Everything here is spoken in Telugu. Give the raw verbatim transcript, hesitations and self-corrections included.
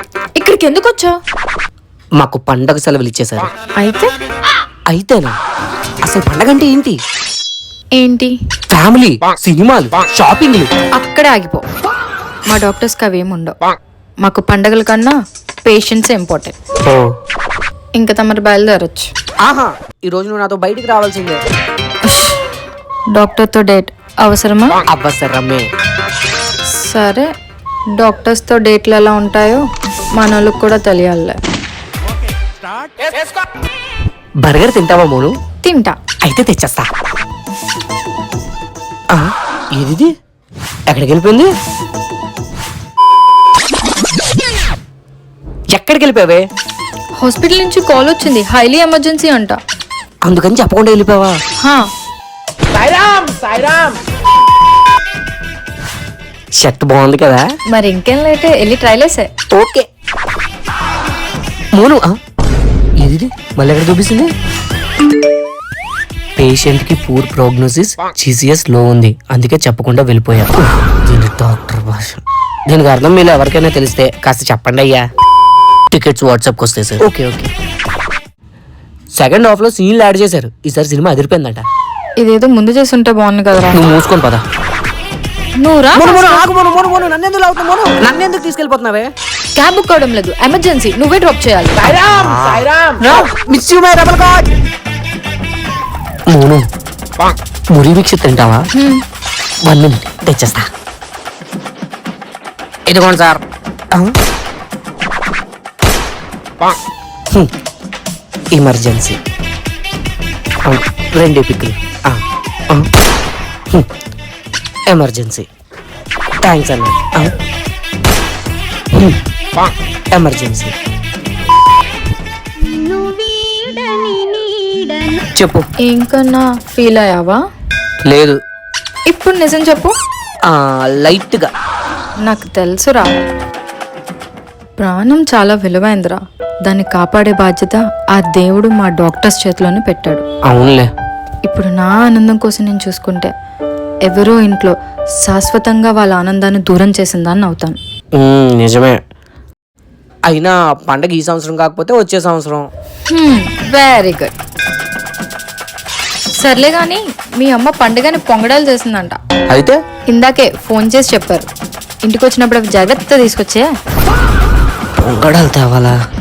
ఇక్కడికి ఎందుకు వచ్చావు? మాకు పండగ సెలవులు ఇచ్చేశారు. అయితే అయితేనా? అసలు పండగ అంటే ఏంటి? ఏంటి? ఫ్యామిలీ, సినిమాలు, షాపింగ్లు. అక్కడే ఆగిపో. మా డాక్టర్స్కి అవేమి ఉండవు. మాకు పండగల కన్నా పేషెంట్స్ ఇంపార్టెంట్. ఓ ఇంకా తమరు బయలుదేరొచ్చు. ఆహా, ఈ రోజు నువ్వు నాతో బయటికి రావాల్సిందే. డాక్టర్తో డేట్ అవసరమా? అవసరమే. సరే, డాక్టర్స్తో డేట్లు ఎలా ఉంటాయో మనోళ్ళకి కూడా తెలియాలి. బర్గర్ తింటావా మోను? తింటా. అయితే తెచ్చేస్తా. ఆ, ఏదిది? ఎక్కడికి వెళ్ళిపోయింది? ఎక్కడికి వెళ్ళిపోయావే? హాస్పిటల్ నుంచి కాల్ వచ్చింది, హైలీ ఎమర్జెన్సీ అంట. అందుకని చెప్పకుండా వెళ్ళిపోయావా? హా. సాయిరామ్, సాయిరామ్. షర్ట్ బాగుంది కదా? మరి ఇంకేం లేటే వెళ్ళి ట్రైల్ వేసే. ఓకే మోను. ఏది మళ్ళీ ఎక్కడ చూపిస్తుంది? పేషెంట్ కి పూర్ ప్రోగ్నోసిస్, జీసీఎస్ లో ఉంది, అందుకే చెప్పకుండా వెళ్ళిపోయా. దీని డాక్టర్ భాష. దీనికి అర్థం మీరు ఎవరికైనా తెలిస్తే కాస్త చెప్పండి అయ్యా. టికెట్స్ వాట్సాప్కి వస్తాయి sir. Okay okay. Second half లో సీన్లు యాడ్ చేశారు. ఈసారి సినిమా అదిరిపోయిందట. ఇదేదో ముందు చేసి ఉంటే బాగుంది కదరా. నువ్వు మూసుకొని పదా. నువ్వురా. నన్నెందుకు తీసుకెళ్ళిపోతున్నావే? క్యాబ్ బుక్ అవడం లేదు, ఎమర్జెన్సీ. నువ్వే డ్రాప్ చేయాలి. మోను, మురి వీక్ష తింటావా? వన్ మినిట్ తెచ్చేస్తా. ఇదిగోండి సార్. ఎమర్జెన్సీ. రెండు పిక్కులు. ఎమర్జెన్సీ. థ్యాంక్స్ అన్న. ఎమర్జెన్సీ. చెప్పు. ఇంకన్నా ఫీల్ అయ్యావా? లేదు. ఇప్పుడు నిజం చెప్పు. లైట్ గా. నాకు తెలుసురా, ప్రాణం చాలా విలువైందిరా. దాన్ని కాపాడే బాధ్యత ఆ దేవుడు మా డాక్టర్స్ చేతిలోనే పెట్టాడు. అవునులే. ఇప్పుడు నా ఆనందం కోసం నేను చూసుకుంటే ఎవరో ఇంట్లో శాశ్వతంగా వాళ్ళ ఆనందాన్ని దూరం చేసిందాన్ని అవుతాను. నిజమే. అయినా పండగ ఈ సంవత్సరం కాకపోతే వచ్చే సంవత్సరం. Very good. సర్లే గాని మీ అమ్మ పండుగని పొంగడాలు చేసిందంట. అయితే ఇందాకే ఫోన్ చేసి చెప్పారు. ఇంటికి వచ్చినప్పుడు అవి జాగ్రత్త తీసుకొచ్చే. పొంగడాలు తేవాలా?